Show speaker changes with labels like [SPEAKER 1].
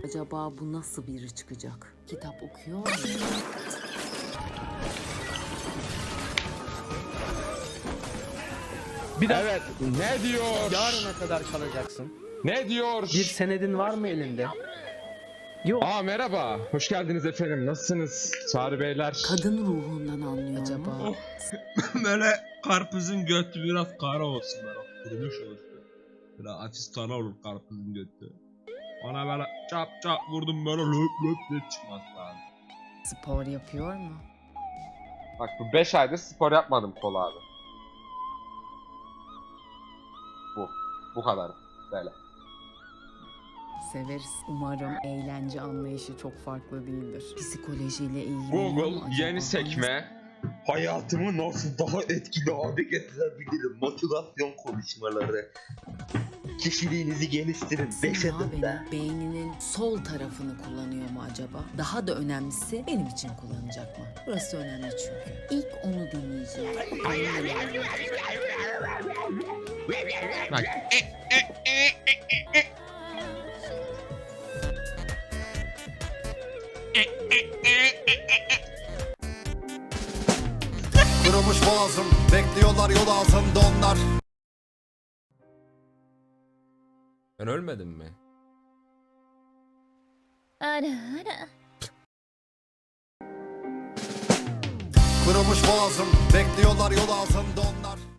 [SPEAKER 1] Acaba bu nasıl biri çıkacak? Kitap okuyor mu?
[SPEAKER 2] Evet, ne diyor?
[SPEAKER 3] Yarına kadar kalacaksın.
[SPEAKER 2] Ne diyor?
[SPEAKER 3] Bir senedin var mı elinde? Yok.
[SPEAKER 2] Merhaba, hoş geldiniz efendim. Nasılsınız? Çağrı beyler.
[SPEAKER 1] Kadın ruhundan anlıyor acaba.
[SPEAKER 4] Böyle karpuzun götü biraz kara olsun, böyle kurumuş olsun. Böyle hafif kara olur karpuzun götü. Bana böyle çap çap vurdum, böyle löp löp löp çıkmaz lazım.
[SPEAKER 1] Spor yapıyor mu?
[SPEAKER 2] Bak bu 5 aydır spor yapmadım kol abi. Bu kadar. Böyle.
[SPEAKER 1] Severiz. Umarım eğlence anlayışı çok farklı değildir. Psikolojiyle ilgili
[SPEAKER 2] Google yeni sekme.
[SPEAKER 5] Hayatımı nasıl daha etkili hale getirebilirim? Motivasyon konuşmaları. Kişiliğinizi geliştirin. 5
[SPEAKER 1] Sima
[SPEAKER 5] adımda.
[SPEAKER 1] benim beyninin sol tarafını kullanıyor mu acaba? Daha da önemlisi benim için kullanacak mı? Burası önemli çünkü. İlk onu dinleyeceğim.
[SPEAKER 2] Bak.
[SPEAKER 6] Kırılmış boğazım, bekliyorlar yol altında onlar.
[SPEAKER 7] Ben ölmedim mi?
[SPEAKER 6] Kırılmış boğazım, bekliyorlar yol altında onlar.